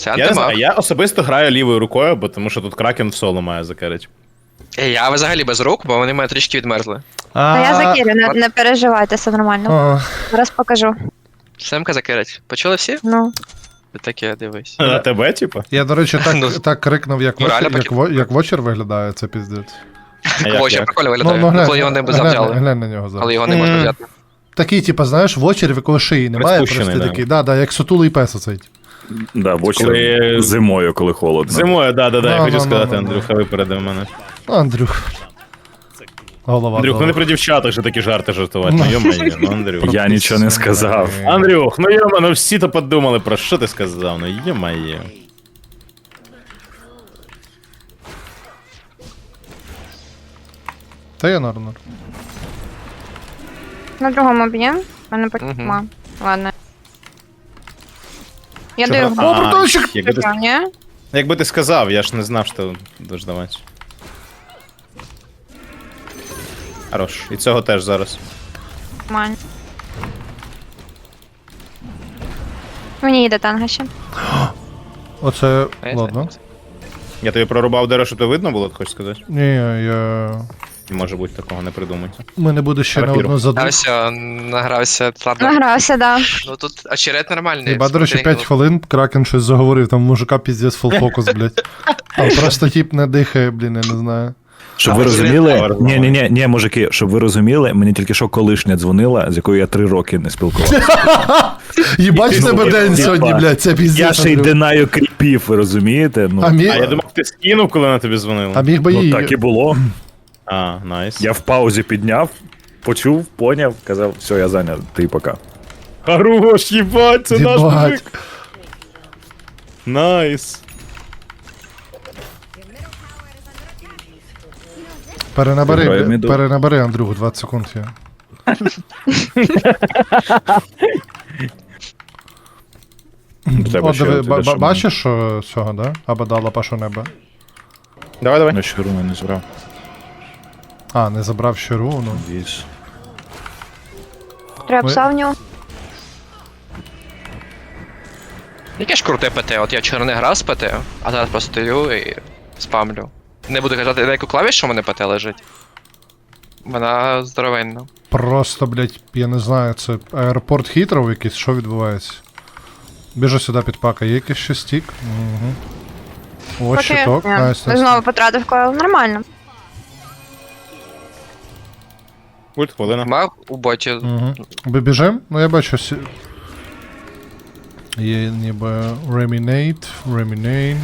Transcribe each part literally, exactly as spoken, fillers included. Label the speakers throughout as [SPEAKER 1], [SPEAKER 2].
[SPEAKER 1] Це
[SPEAKER 2] Я не знаю,
[SPEAKER 1] антимаг.
[SPEAKER 2] я особисто граю лівою рукою, бо тому що тут кракен в соло має закерить.
[SPEAKER 1] Е, Я взагалі без рук, бо вони мене трішки відмерзли.
[SPEAKER 3] Та я закину, не,
[SPEAKER 1] от-
[SPEAKER 3] не переживайте, все нормально.
[SPEAKER 4] А,
[SPEAKER 3] Зараз покажу.
[SPEAKER 1] Семка закерить. Почули всі?
[SPEAKER 3] Ну.
[SPEAKER 1] Таке, дивись.
[SPEAKER 2] На тебе, типу?
[SPEAKER 4] я, до речі,
[SPEAKER 1] Ну,
[SPEAKER 4] так, так крикнув, як,
[SPEAKER 1] ну,
[SPEAKER 4] вочер,
[SPEAKER 1] реально
[SPEAKER 4] як,
[SPEAKER 1] таки.
[SPEAKER 4] во- як вочер виглядає, це піздець.
[SPEAKER 2] А як,
[SPEAKER 1] Вочер
[SPEAKER 2] як?
[SPEAKER 1] прикольно
[SPEAKER 4] Ну,
[SPEAKER 1] виглядає.
[SPEAKER 4] ну,
[SPEAKER 1] Ну,
[SPEAKER 4] глянь,
[SPEAKER 1] коли його не
[SPEAKER 4] глянь,
[SPEAKER 1] завзяли.
[SPEAKER 4] глянь на нього зараз.
[SPEAKER 1] Але його не можна
[SPEAKER 2] Мгм.
[SPEAKER 1] взяти.
[SPEAKER 4] Такий, типу, знаєш, вочер, в якого шиї немає,
[SPEAKER 2] Розпущений,
[SPEAKER 4] просто
[SPEAKER 2] да.
[SPEAKER 4] такий, да, да, як сутулий пес оцей.
[SPEAKER 5] Да, в очі
[SPEAKER 2] Коли-
[SPEAKER 5] зимою, коли холодно.
[SPEAKER 2] Зимою, да, да, да, я
[SPEAKER 4] Ну,
[SPEAKER 2] хотів
[SPEAKER 4] ну,
[SPEAKER 2] сказати,
[SPEAKER 4] ну, ну,
[SPEAKER 2] Андрюха випередив мене.
[SPEAKER 4] Ну, Андрюх. Голова.
[SPEAKER 2] Андрюх, ну
[SPEAKER 4] довга.
[SPEAKER 2] не про дівчаток же такі жарти жартувати, ну йо-моє, ну Андрюх.
[SPEAKER 5] Я нічого не сказав.
[SPEAKER 2] Андрюх, ну йома, ну всі то подумали, про що ти сказав, ну йо-моє.
[SPEAKER 4] Та я норм. норм.
[SPEAKER 3] На другому б'єм. Мене потім.
[SPEAKER 1] Мгм.
[SPEAKER 3] Ладно. Я
[SPEAKER 2] Чого?
[SPEAKER 3] даю
[SPEAKER 2] А,
[SPEAKER 3] губу.
[SPEAKER 4] братанчик!
[SPEAKER 2] якби ти,
[SPEAKER 3] Ні?
[SPEAKER 2] якби ти сказав, я ж не знав, що дождавати. Хорош. І цього теж зараз.
[SPEAKER 3] Нормально. Мені йде танга ще.
[SPEAKER 4] Оце,
[SPEAKER 1] А я
[SPEAKER 4] ладно.
[SPEAKER 1] знаю.
[SPEAKER 2] Я тобі прорубав дерево, щоб то видно було, хочеш сказати?
[SPEAKER 4] Ні, я...
[SPEAKER 2] Не може бути такого, не придумайте.
[SPEAKER 4] Ми не буде ще на
[SPEAKER 2] Рапіру.
[SPEAKER 4] одну заду.
[SPEAKER 1] Награвся, награвся. Ладно.
[SPEAKER 3] Награвся, да.
[SPEAKER 1] Ну тут очерет нормальний.
[SPEAKER 4] Хіба, до речі, п'ять хвилин Кракен щось заговорив, там мужика піздець фулфокус, блядь. Там просто тип не дихає, блін, я не знаю.
[SPEAKER 5] Щоб
[SPEAKER 1] А,
[SPEAKER 5] ви
[SPEAKER 1] ви
[SPEAKER 5] розуміли,
[SPEAKER 2] зрозуміли?
[SPEAKER 5] ні, ні, ні, ні, мужики, щоб ви розуміли, мені тільки що колишня дзвонила, з якою я три роки не спілкувався.
[SPEAKER 4] Їбать в тебе
[SPEAKER 5] Ну,
[SPEAKER 4] день
[SPEAKER 5] типа,
[SPEAKER 4] сьогодні, блядь, це піздець.
[SPEAKER 5] Я ще й
[SPEAKER 4] Андрюх.
[SPEAKER 5] динаю кріпів, ви розумієте? Ну,
[SPEAKER 4] А міг,
[SPEAKER 2] А я думав, ти скинув, коли на тобі
[SPEAKER 4] а
[SPEAKER 2] дзвонили.
[SPEAKER 4] міг би
[SPEAKER 5] ну
[SPEAKER 4] її...
[SPEAKER 5] так і було.
[SPEAKER 2] А, найс.
[SPEAKER 5] Я в паузі підняв, почув, поняв, казав, все, я зайнятий, пока.
[SPEAKER 2] Хорош, їбать, це наш
[SPEAKER 4] Їбать.
[SPEAKER 2] мужик. Найс.
[SPEAKER 4] Перенабери,
[SPEAKER 5] Грає
[SPEAKER 4] бля,
[SPEAKER 5] міду.
[SPEAKER 4] перенабери, Андрюх, двадцять секунд є.
[SPEAKER 5] Треба
[SPEAKER 4] От
[SPEAKER 5] ще
[SPEAKER 4] диви,
[SPEAKER 5] от
[SPEAKER 4] ба-
[SPEAKER 5] іде,
[SPEAKER 4] ба-
[SPEAKER 5] що
[SPEAKER 4] бачиш, що цього, да? Або дала пашу неба.
[SPEAKER 2] Давай, давай.
[SPEAKER 5] На щуру не збрав.
[SPEAKER 4] А, не забрав ще руну.
[SPEAKER 5] Віз.
[SPEAKER 3] Треба
[SPEAKER 4] Ми-
[SPEAKER 3] пса в нього.
[SPEAKER 1] Яке ж круте ПТ, от я вчора не грав з ПТ, а зараз просто стою і спамлю. Не буду казати, на яку клавішу у мене ПТ лежить. Вона здоровенна.
[SPEAKER 4] Просто, блядь, я не знаю, це аеропорт Хітров якийсь, що відбувається? Біжу сюди під пака, є якийсь ще стік? Угу. О,
[SPEAKER 3] Поки-
[SPEAKER 4] щиток,
[SPEAKER 3] Ні,
[SPEAKER 4] найс, найс.
[SPEAKER 3] Знову потратив койл. Нормально.
[SPEAKER 2] Ульт, хвилина.
[SPEAKER 1] Маг у боті.
[SPEAKER 4] Угу. Ви біжим? Ну я бачу. Сі... Є ніби Reminate, Reminate.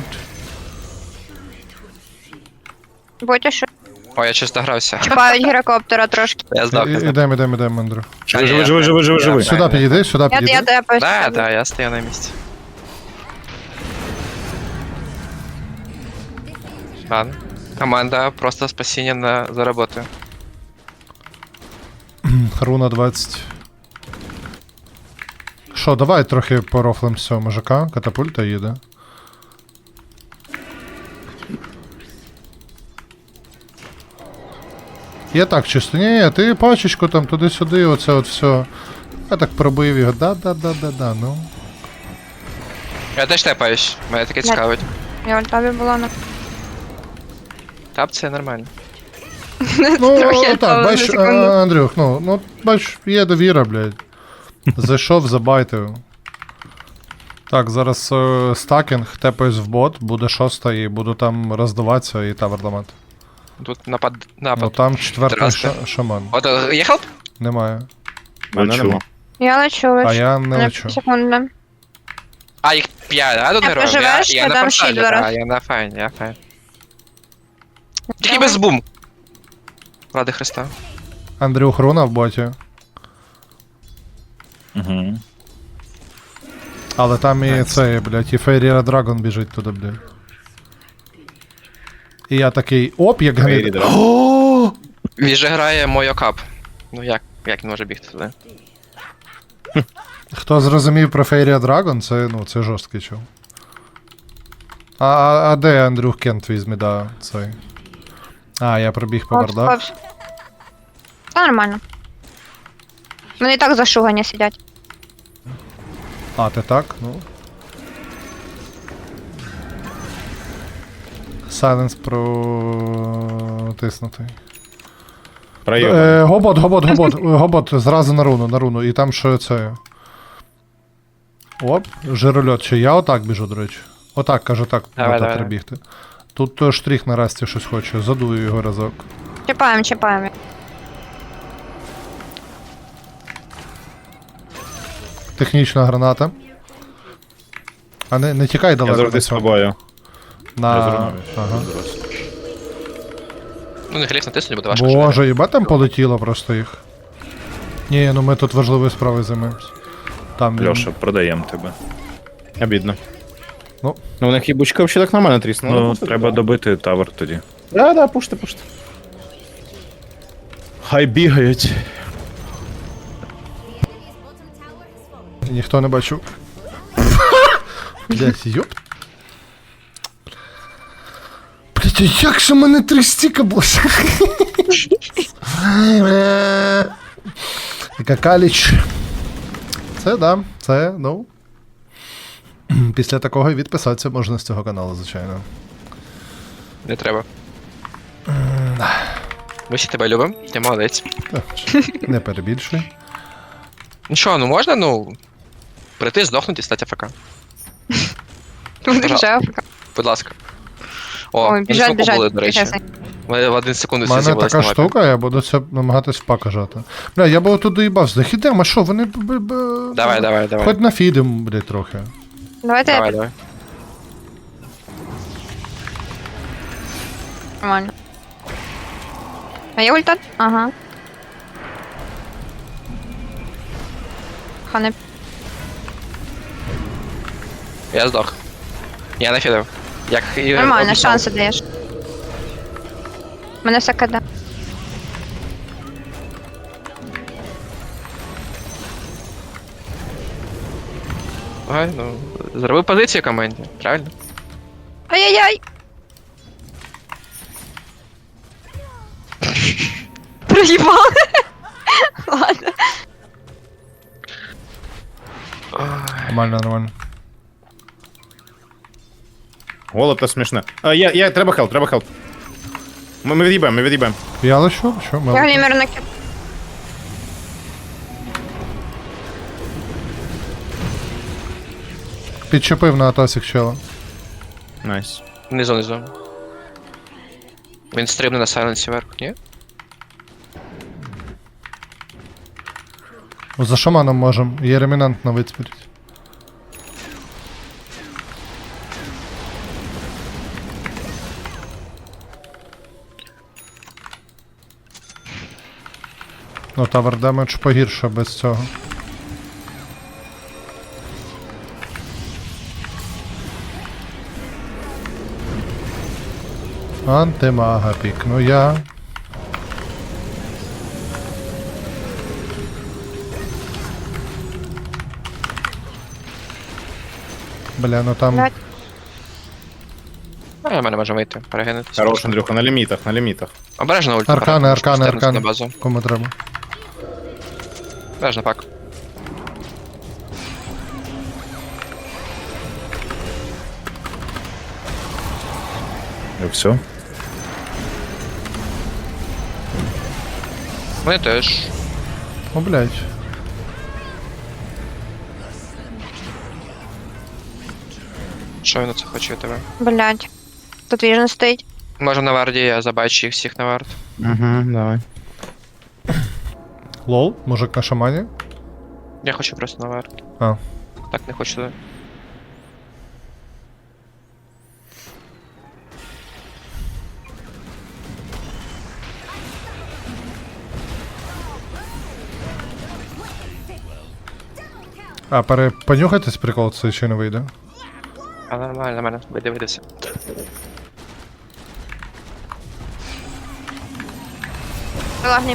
[SPEAKER 3] Будь що.
[SPEAKER 1] О, я чисто грався.
[SPEAKER 3] Чіпають гірокоптера трошки.
[SPEAKER 1] Я знав, я знав.
[SPEAKER 4] Ідемо, ідемо, ідемо, Андрю.
[SPEAKER 5] Живи, живи, живи, живи, живи, живи.
[SPEAKER 4] Сюди підійди, сюди
[SPEAKER 3] Я,
[SPEAKER 4] підійди.
[SPEAKER 3] я тепаюсь.
[SPEAKER 1] Да, да, я стою на місці. Ладно. Команда просто спасіння на за роботою.
[SPEAKER 4] Руна двадцять. Що, давай трохи порофлим з цього мужика. Катапульта їде. Я так чисто. Ні, ні, ти пачечку там туди-сюди, оце от все. Я так пробив його. Да-да-да-да-да, ну.
[SPEAKER 1] Я теж тепаюсь, мене таке цікавить.
[SPEAKER 3] Я в альтабі була на.
[SPEAKER 1] Тап це нормально.
[SPEAKER 4] Ну,
[SPEAKER 3] Трохи
[SPEAKER 4] так,
[SPEAKER 3] відпала
[SPEAKER 4] бач,
[SPEAKER 3] на секунду.
[SPEAKER 4] а, Андрюх, ну, ну, бач, є довіра, блядь. Зайшов, забайтив. Так, зараз е, стакінг, тепаюсь в бот, буде шоста і буду там роздаватися і тавер ламати.
[SPEAKER 1] Тут напад.
[SPEAKER 4] Ну
[SPEAKER 1] напад.
[SPEAKER 4] там четвертий
[SPEAKER 1] Здрасте.
[SPEAKER 4] ша- шаман.
[SPEAKER 1] От е, є хелп?
[SPEAKER 4] Немає.
[SPEAKER 2] Мене
[SPEAKER 5] Лечу.
[SPEAKER 2] нема.
[SPEAKER 3] Я лечу, лечу.
[SPEAKER 4] А я не
[SPEAKER 3] Мене
[SPEAKER 4] лечу.
[SPEAKER 3] Секунду.
[SPEAKER 1] А, їх п'ять, да, тут
[SPEAKER 3] Я
[SPEAKER 1] героїв?
[SPEAKER 3] проживеш,
[SPEAKER 1] я
[SPEAKER 3] я
[SPEAKER 1] на
[SPEAKER 3] дам
[SPEAKER 1] порталі,
[SPEAKER 3] щит
[SPEAKER 1] да,
[SPEAKER 3] зараз.
[SPEAKER 1] я на файні, я файн. Тільки без бум. Ради Христа.
[SPEAKER 4] Андрюх, руна в боті.
[SPEAKER 5] Угу.
[SPEAKER 4] Але там і цей, блядь, і Фейріра Драгон біжить туди, блядь. І я такий, оп, як
[SPEAKER 2] Фейрі
[SPEAKER 4] гнид.
[SPEAKER 2] Драгон.
[SPEAKER 4] О!
[SPEAKER 1] Він же грає Мойокап. Ну як, як він може бігти туди?
[SPEAKER 4] Хто зрозумів про Фейрія Драгон, це, ну, це жорсткий чув. А, а, а де Андрюх Кент візьме, да, цей. А, я пробіг по бардах.
[SPEAKER 3] Та нормально. Вони і так зашугані сидять.
[SPEAKER 4] А, ти так? Ну. сайленс протиснутий.
[SPEAKER 2] Пройом.
[SPEAKER 4] Е, гобот, гобот, гобот, гобот, зразу на руну, на руну. І там що це. Оп, жирольот. Чи я отак біжу, до речі. Отак, кажу, так,
[SPEAKER 1] Давай,
[SPEAKER 4] отак
[SPEAKER 1] давай,
[SPEAKER 4] треба
[SPEAKER 1] давай.
[SPEAKER 4] бігти. Тут то штрих на расті щось хоче, задую його разок.
[SPEAKER 3] Чіпаємо, чіпаємо.
[SPEAKER 4] Технічна граната. А не, не тікай
[SPEAKER 2] Я
[SPEAKER 4] далеко.
[SPEAKER 2] завжди
[SPEAKER 4] на
[SPEAKER 2] з
[SPEAKER 4] цьому.
[SPEAKER 2] тобою.
[SPEAKER 4] На...
[SPEAKER 2] Я зрозумів.
[SPEAKER 4] Ага.
[SPEAKER 1] Ну, не гліф натиснуть, буде важко.
[SPEAKER 4] Боже, їба там полетіло просто їх. Ні, ну ми тут важливою справою займаємось. Там він-
[SPEAKER 5] Льоша, продаємо тебе.
[SPEAKER 2] Обідно.
[SPEAKER 4] Ну.
[SPEAKER 2] Ну, у них і бучка взагалі так нормально тріснула.
[SPEAKER 5] Ну, треба добити тавер тоді.
[SPEAKER 2] Да, да, пушти, пушти. Хай бігають.
[SPEAKER 4] Ніхто не бачив. Блять, йоп. Блять, а як же в мене три стіка було? Яка каліч. Це да, це, ну. Після такого і відписатися можна з цього каналу, звичайно.
[SPEAKER 1] Не треба. Ми всі тебе любимо, ти молодець.
[SPEAKER 4] Не перебільшуй.
[SPEAKER 1] Ну що, ну можна, ну. Прийти, здохнути і стати АФК.
[SPEAKER 3] Буде вже Африка.
[SPEAKER 1] Будь ласка. О,
[SPEAKER 3] Ой,
[SPEAKER 1] вони
[SPEAKER 3] біжать,
[SPEAKER 1] смоку були,
[SPEAKER 3] біжать.
[SPEAKER 1] до речі.
[SPEAKER 3] Тихесенько.
[SPEAKER 1] Ми в один секунду
[SPEAKER 4] У
[SPEAKER 1] всі
[SPEAKER 4] мене
[SPEAKER 1] з'явилися
[SPEAKER 4] така
[SPEAKER 1] на мапі.
[SPEAKER 4] штука, я буду це намагатись в пака жати. Бля, я би тут доїбався. Західемо, а що, вони... б- б- б-
[SPEAKER 1] Давай, давай, давай.
[SPEAKER 4] Хоч нафідем, блядь, трохи.
[SPEAKER 3] Давайте
[SPEAKER 1] Давай, давай.
[SPEAKER 3] нормально. А є ульта? Ага. Хане.
[SPEAKER 1] Я здох. Я нафідав. Як і
[SPEAKER 3] Нормально,
[SPEAKER 1] обіцяв.
[SPEAKER 3] шанси даєш. Мене все киде.
[SPEAKER 1] Ага, ну, зроби позицію команді, правильно?
[SPEAKER 3] Ай-яй-яй! Проїбали. Ладно.
[SPEAKER 4] Нормально, нормально.
[SPEAKER 2] Голод то смішне. А, я, я, треба хелп, треба хелп. Ми, ми від'їбаємо, ми від'їбаємо.
[SPEAKER 4] Я лишу, що? Ми...
[SPEAKER 3] Я глімер накид.
[SPEAKER 4] Підчепив на атасік чела.
[SPEAKER 2] Найс.
[SPEAKER 1] Внизу, внизу. Він стрибне на сайленсі вверх, ні?
[SPEAKER 4] За шаманом можем. Є ремінант на вицпіріть. Ну, тавер демедж погірше без цього. Антимага пікну я. Бля, ну там.
[SPEAKER 3] Блядь.
[SPEAKER 1] А, я мене може вийти, перегинутись.
[SPEAKER 2] Хорош, Андрюха, на лімітах, на лімітах.
[SPEAKER 1] Обережно ульт.
[SPEAKER 4] Аркани, аркани,
[SPEAKER 1] На
[SPEAKER 4] аркани.
[SPEAKER 1] базу.
[SPEAKER 4] Кому треба.
[SPEAKER 1] Обережно пак.
[SPEAKER 5] І все.
[SPEAKER 1] Вони теж.
[SPEAKER 4] О, блядь.
[SPEAKER 1] Що він це хоче від тебе?
[SPEAKER 3] Блядь. Тут віжен стоїть.
[SPEAKER 1] Може на варді, я забачу їх всіх на вард.
[SPEAKER 2] Угу, давай.
[SPEAKER 4] Лол, мужик на шамані.
[SPEAKER 1] Я хочу просто на вард.
[SPEAKER 4] А.
[SPEAKER 1] Так не хочу туди.
[SPEAKER 4] А, пере... понюхайтесь прикол, це чи не вийде.
[SPEAKER 1] А нормально, нормально, вийди, вийдеться.
[SPEAKER 3] Лагні.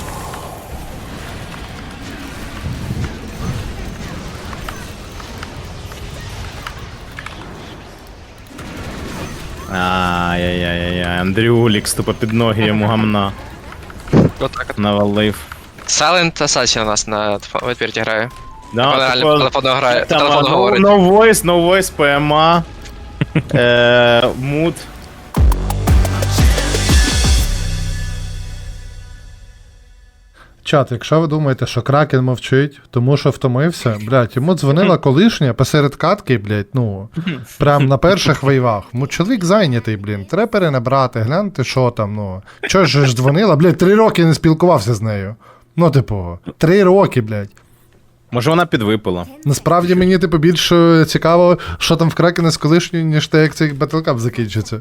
[SPEAKER 2] Ай-яй-яй-яй, Андрюлік, тупо під ноги йому гамна
[SPEAKER 1] Отак от.
[SPEAKER 2] навалив.
[SPEAKER 1] Silent Assassin у нас на відпірті грає.
[SPEAKER 2] Да,
[SPEAKER 1] Вона реально по
[SPEAKER 2] типу,
[SPEAKER 1] телефону грає, по
[SPEAKER 2] там,
[SPEAKER 1] телефону
[SPEAKER 2] no,
[SPEAKER 1] говорить.
[SPEAKER 2] no voice, no voice, пе ем а, е, мут.
[SPEAKER 4] Чат, якщо ви думаєте, що Кракен мовчить, тому що втомився, блядь, йому дзвонила колишня посеред катки, блядь, ну, прям на перших вейвах. Ну, чоловік зайнятий, блін, треба перенабрати, гляньте, що там, ну. Чого ж ж дзвонила, блядь, три роки не спілкувався з нею. Ну, типу, три роки, блядь.
[SPEAKER 2] Може вона підвипила.
[SPEAKER 4] Насправді мені, типу, більше цікаво, що там в Кракена з колишньою, ніж те, як цей Battlecap закінчиться.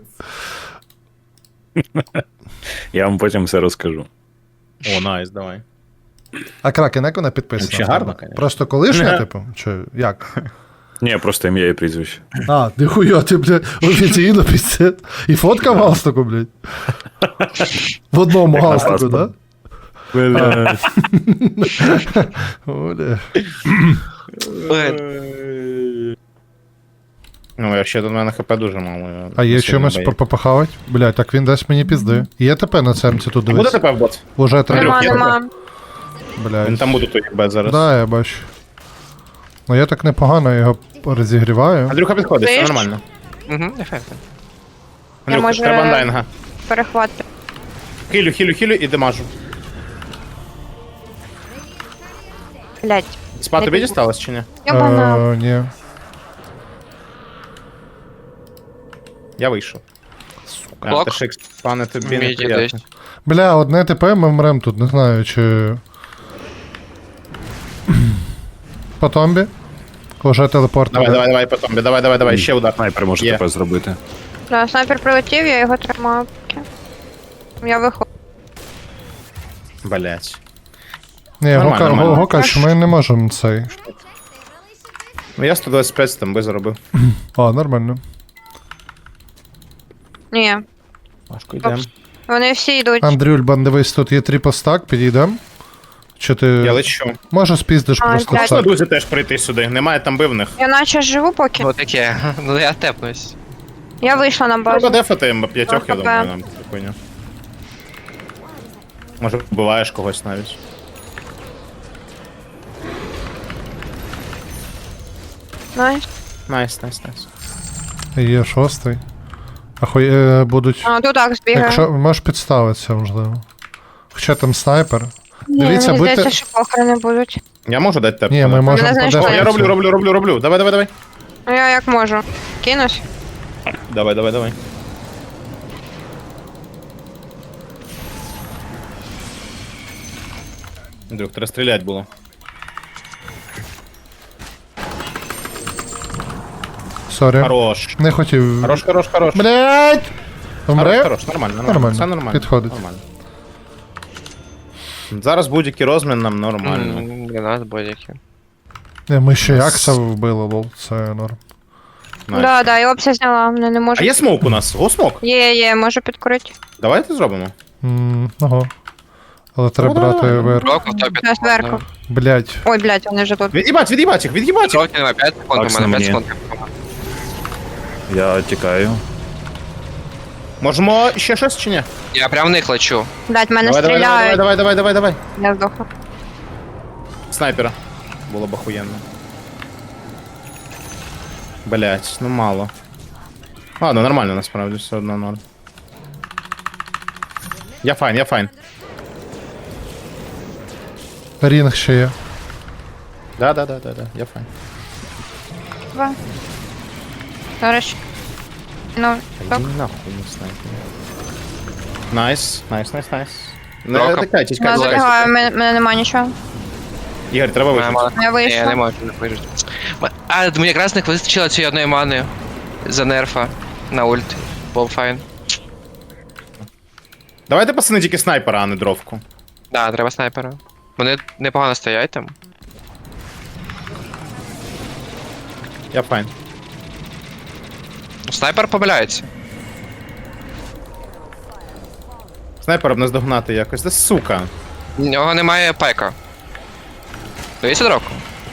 [SPEAKER 5] Я вам потім все розкажу.
[SPEAKER 2] О, найс, давай.
[SPEAKER 4] А Кракен, як вона підписана?
[SPEAKER 2] Вообще гарно, конечно.
[SPEAKER 4] Просто колишня, типу? Чи як?
[SPEAKER 5] Ні, просто ім'я і прізвище.
[SPEAKER 4] А, ніхуя, ти, блядь, офіційно піздець. І фотка в галстуку, блядь. В одному галстуку, да? Оля.
[SPEAKER 2] Ну, я ще до мене хп дуже мало. я
[SPEAKER 4] А є
[SPEAKER 2] сильно
[SPEAKER 4] чимось
[SPEAKER 2] боюсь.
[SPEAKER 4] попахавать? Блядь, так він дасть мені пізди. Є ТП на цемці тут,
[SPEAKER 2] Буде
[SPEAKER 4] дивись.
[SPEAKER 2] тебе в бот?
[SPEAKER 4] Уже треба.
[SPEAKER 3] Нема,
[SPEAKER 2] я
[SPEAKER 3] нема.
[SPEAKER 2] Він
[SPEAKER 4] Блядь.
[SPEAKER 2] там буде тут бет зараз.
[SPEAKER 4] Да, я бачу. Ну я так непогано його розігріваю.
[SPEAKER 2] Андрюха підходить, все
[SPEAKER 3] Знаєш?
[SPEAKER 2] нормально.
[SPEAKER 1] Угу, ефектно.
[SPEAKER 2] Андрюха,
[SPEAKER 3] може-
[SPEAKER 2] треба андайнга.
[SPEAKER 3] Перехват.
[SPEAKER 2] Хилю, хилю, хилю і демажу.
[SPEAKER 3] Блядь.
[SPEAKER 2] Спа
[SPEAKER 3] Не
[SPEAKER 2] тобі
[SPEAKER 3] піду.
[SPEAKER 2] дісталось чи ні?
[SPEAKER 3] Йобана.
[SPEAKER 4] Е, ні.
[SPEAKER 2] Я вийшов. А,
[SPEAKER 1] Блок.
[SPEAKER 2] та шикс, пане, тобі не
[SPEAKER 1] Міді
[SPEAKER 2] приємно.
[SPEAKER 1] десь.
[SPEAKER 4] Бля, одне ТП ми вмрем тут, не знаю, чи. По томбі. Уже телепорт.
[SPEAKER 2] Давай,
[SPEAKER 4] іде.
[SPEAKER 2] давай, давай, потом. Давай, давай, давай, ще удар.
[SPEAKER 5] Снайпер може
[SPEAKER 2] Є.
[SPEAKER 5] тепер зробити.
[SPEAKER 3] Да, снайпер прилетів, я його тримаю. Я виходжу.
[SPEAKER 2] Блять.
[SPEAKER 4] Ні,
[SPEAKER 2] Нормально,
[SPEAKER 4] Гока,
[SPEAKER 2] нормально.
[SPEAKER 4] Гокач, ми не можемо цей.
[SPEAKER 2] Ну я сто двадцять п'ять там би заробив.
[SPEAKER 4] А, нормально.
[SPEAKER 3] Ні.
[SPEAKER 2] Важко йдемо.
[SPEAKER 3] Вони всі йдуть.
[SPEAKER 4] Андрюль, дивись, тут є трипостак, підійдем. Чи ти.
[SPEAKER 2] Я лечу.
[SPEAKER 4] Може спіздиш
[SPEAKER 3] А,
[SPEAKER 4] просто
[SPEAKER 3] блядь.
[SPEAKER 2] Можна
[SPEAKER 4] так.
[SPEAKER 2] друзі теж прийти сюди, немає там бивних.
[SPEAKER 3] Я наче живу поки.
[SPEAKER 1] Ну таке, ну я тепнусь.
[SPEAKER 3] Я вийшла на базу.
[SPEAKER 2] Треба дефати ем п'ятьох, я
[SPEAKER 3] АХП.
[SPEAKER 2] думаю, нам спокійно. Може вбиваєш когось навіть.
[SPEAKER 3] Найс.
[SPEAKER 2] Найс, найс, найс.
[SPEAKER 4] Є шостий. Ахуй, е, будуть.
[SPEAKER 3] А, тут так збігає.
[SPEAKER 4] Якщо можеш підставитися, можливо. Хоча там снайпер.
[SPEAKER 3] Ні,
[SPEAKER 4] Дивіться,
[SPEAKER 3] мені
[SPEAKER 4] будьте-
[SPEAKER 3] здається, що похорони будуть.
[SPEAKER 2] Я можу дати теп?
[SPEAKER 4] Ні, ми можемо
[SPEAKER 3] Мене знайшли.
[SPEAKER 2] О,
[SPEAKER 4] подати
[SPEAKER 2] я роблю,
[SPEAKER 4] цю.
[SPEAKER 2] роблю, роблю, роблю. Давай, давай, давай.
[SPEAKER 3] Ну я як можу. Кинусь.
[SPEAKER 2] Давай, давай, давай. Друг, треба стріляти було.
[SPEAKER 4] Сорі.
[SPEAKER 2] Хорош.
[SPEAKER 4] Не хотів.
[SPEAKER 2] Хорош, хорош, хорош.
[SPEAKER 4] Блять!
[SPEAKER 2] Хорош,
[SPEAKER 4] Умре?
[SPEAKER 2] хорош, нормально, нормально.
[SPEAKER 4] Нормально.
[SPEAKER 2] Все нормально.
[SPEAKER 4] Підходить.
[SPEAKER 2] Нормально. Зараз будь-який розмін нам нормально.
[SPEAKER 1] М, Для нас будь-які.
[SPEAKER 4] Ні, ми ще Якса вбили, лол, це норм.
[SPEAKER 2] Найс.
[SPEAKER 3] Да, да, я опція зняла, мене не можу.
[SPEAKER 2] А є смок у нас? Го смок?
[SPEAKER 3] Є, є, можу підкурити.
[SPEAKER 2] Давайте зробимо.
[SPEAKER 4] М, Ого. Але треба
[SPEAKER 2] давай,
[SPEAKER 4] брати
[SPEAKER 2] давай.
[SPEAKER 4] вверх.
[SPEAKER 1] Року в топі.
[SPEAKER 3] Я зверху.
[SPEAKER 4] Блять.
[SPEAKER 3] Ой, блядь, вони вже тут.
[SPEAKER 2] Від'їбать, від'їбать їх, від'їбать їх.
[SPEAKER 1] Роки на п'ять секунд, у
[SPEAKER 5] Акс
[SPEAKER 1] мене
[SPEAKER 5] на
[SPEAKER 1] п'ять
[SPEAKER 5] мені.
[SPEAKER 1] секунд.
[SPEAKER 5] Я тікаю.
[SPEAKER 2] Можемо ще щось чи ні?
[SPEAKER 1] Я прям в них лечу.
[SPEAKER 3] Блядь, мене
[SPEAKER 2] Давай, давай, давай,
[SPEAKER 3] стріляють.
[SPEAKER 2] давай, давай, давай, давай.
[SPEAKER 3] Я здохла.
[SPEAKER 2] Снайпера. Було б охуєнно. Блять, ну мало. Ладно, нормально насправді, все одно норм. Я файн, я файн.
[SPEAKER 4] Рінг ще є.
[SPEAKER 2] Да, да, да, да, да, я файн.
[SPEAKER 3] Два. Зараз. Ну, так.
[SPEAKER 2] Іди нахуй, не снайпер. Найс, найс, найс, найс. Не
[SPEAKER 1] Рока.
[SPEAKER 2] тикайтесь,
[SPEAKER 3] Я
[SPEAKER 1] Давай.
[SPEAKER 2] кайтесь.
[SPEAKER 3] забігаю, мене, мене нема нічого.
[SPEAKER 2] Ігор, треба
[SPEAKER 1] Моя
[SPEAKER 2] вижити.
[SPEAKER 1] мана.
[SPEAKER 3] Я
[SPEAKER 1] Ні, я не
[SPEAKER 3] вийшла.
[SPEAKER 1] можу не вижити. М- А, мені якраз не вистачило цієї одної мани за нерфа на ульт. Був файн.
[SPEAKER 2] Давайте, пацани, тільки снайпера, а не дровку.
[SPEAKER 1] Да, треба снайпера. Вони непогано стоять там.
[SPEAKER 2] Я файн.
[SPEAKER 1] Снайпер помиляється.
[SPEAKER 2] Снайпера б не здогнати якось. Да сука.
[SPEAKER 1] У нього немає пайка. Дивіться дроку.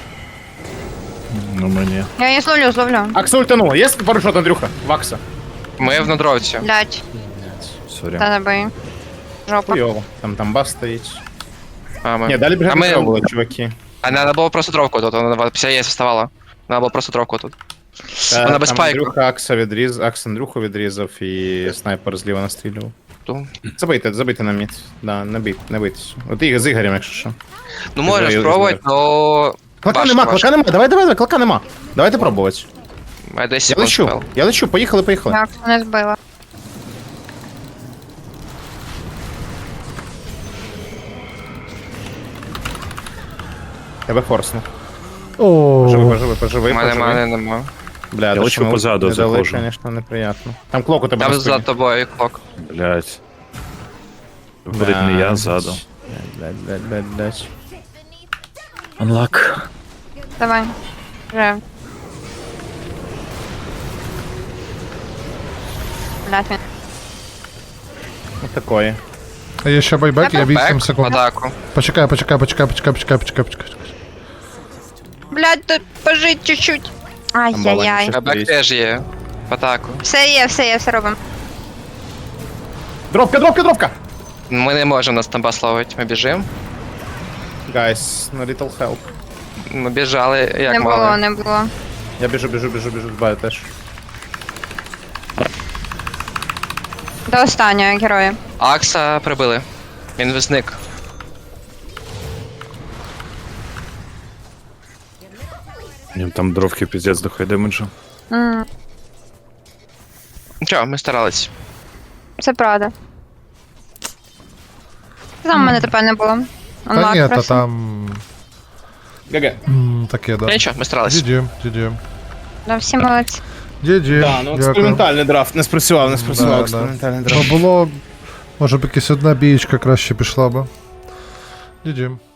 [SPEAKER 5] Ну мені.
[SPEAKER 3] Я її зловлю, зловлю.
[SPEAKER 2] Акса ультанула. Є парашот, Андрюха? Вакса.
[SPEAKER 1] Ми в надровці.
[SPEAKER 3] Блядь,
[SPEAKER 5] Сорі.
[SPEAKER 3] та не бий. Жопа.
[SPEAKER 2] Хуйово. Там там бас стоїть.
[SPEAKER 1] А, ми...
[SPEAKER 2] Ні, далі
[SPEAKER 1] а
[SPEAKER 2] бігати не
[SPEAKER 1] ми...
[SPEAKER 2] треба було, чуваки.
[SPEAKER 1] А треба було просто дровку тут, вона після ЄС вставала. Треба було просто дровку тут.
[SPEAKER 2] Та,
[SPEAKER 1] Вона без
[SPEAKER 2] там
[SPEAKER 1] пайку.
[SPEAKER 2] Андрюха Акса відріз, Акс Андрюху відрізав і снайпер зліва настрілював.
[SPEAKER 1] Ту.
[SPEAKER 2] Забийте, забийте на мід. Да, не бий, не бийтесь. От і з Ігорем, якщо що.
[SPEAKER 1] Ну можеш
[SPEAKER 2] Ізраїль,
[SPEAKER 1] спробувати,
[SPEAKER 2] Ізраїль.
[SPEAKER 1] но...
[SPEAKER 2] Клака
[SPEAKER 1] Важко,
[SPEAKER 2] нема,
[SPEAKER 1] важко.
[SPEAKER 2] клака нема, давай, давай, давай, клака нема. Давайте пробувати.
[SPEAKER 1] Має десять
[SPEAKER 2] Я
[SPEAKER 1] секунд
[SPEAKER 2] лечу,
[SPEAKER 1] спел.
[SPEAKER 2] я лечу, поїхали, поїхали.
[SPEAKER 3] Я не збила.
[SPEAKER 2] Тебе форсну.
[SPEAKER 4] О,
[SPEAKER 2] Поживи, поживи, поживи,
[SPEAKER 1] У мене
[SPEAKER 2] поживи.
[SPEAKER 1] мене нема.
[SPEAKER 2] Бля,
[SPEAKER 5] Я
[SPEAKER 2] то,
[SPEAKER 5] лечу
[SPEAKER 2] що ми
[SPEAKER 5] позаду,
[SPEAKER 2] не дали,
[SPEAKER 5] заходжу.
[SPEAKER 2] Конечно, неприятно. Там клок у тебе
[SPEAKER 1] Там
[SPEAKER 2] на
[SPEAKER 1] за
[SPEAKER 2] спині.
[SPEAKER 1] тобою клок.
[SPEAKER 5] Блять. Виходить не я ззаду.
[SPEAKER 2] Блядь, блядь, блядь, блядь.
[SPEAKER 5] Unlock.
[SPEAKER 3] Давай. Вже. Блядь, він.
[SPEAKER 2] Вот такое.
[SPEAKER 4] а є ще байбек, я вісім
[SPEAKER 1] Бек в
[SPEAKER 4] секунд.
[SPEAKER 1] атаку.
[SPEAKER 4] Почекай, почекай, почекай, почекай, почекай, почекай, почекай.
[SPEAKER 3] Блядь, тут пожить чуть-чуть. Ай-яй-яй.
[SPEAKER 2] баланс.
[SPEAKER 1] Бек теж є. В атаку.
[SPEAKER 3] Все є, все є, все робимо.
[SPEAKER 2] Дропка, дропка, дропка!
[SPEAKER 1] Ми не можемо нас там пословити. Ми біжимо.
[SPEAKER 2] Guys, no little help.
[SPEAKER 1] Ми біжали, як
[SPEAKER 3] Не було,
[SPEAKER 1] мали.
[SPEAKER 3] не було.
[SPEAKER 2] Я біжу, біжу, біжу, біжу, збаю теж.
[SPEAKER 3] До останнього героя.
[SPEAKER 1] Акса прибили. Він зник.
[SPEAKER 5] Їм там дровки піздець дохай демеджу.
[SPEAKER 3] М,
[SPEAKER 1] Нічого, ми старались.
[SPEAKER 3] Це правда. Там в мене тепер не було.
[SPEAKER 4] Та ні,
[SPEAKER 3] Unlock
[SPEAKER 4] та
[SPEAKER 3] просто.
[SPEAKER 4] там...
[SPEAKER 2] ГГ.
[SPEAKER 4] м, Таке, да.
[SPEAKER 1] Нічого, ми старались.
[SPEAKER 4] джі джі, джі джі.
[SPEAKER 3] Да, всі молодці.
[SPEAKER 4] джі джі,
[SPEAKER 2] Да, ну
[SPEAKER 4] дякую.
[SPEAKER 2] експериментальний драфт, не спрацював, не
[SPEAKER 4] Да,
[SPEAKER 2] спрацював
[SPEAKER 4] да.
[SPEAKER 2] експериментальний
[SPEAKER 4] Ну
[SPEAKER 2] драфт.
[SPEAKER 4] було... Може б якась одна бієчка краще пішла би. джі джі.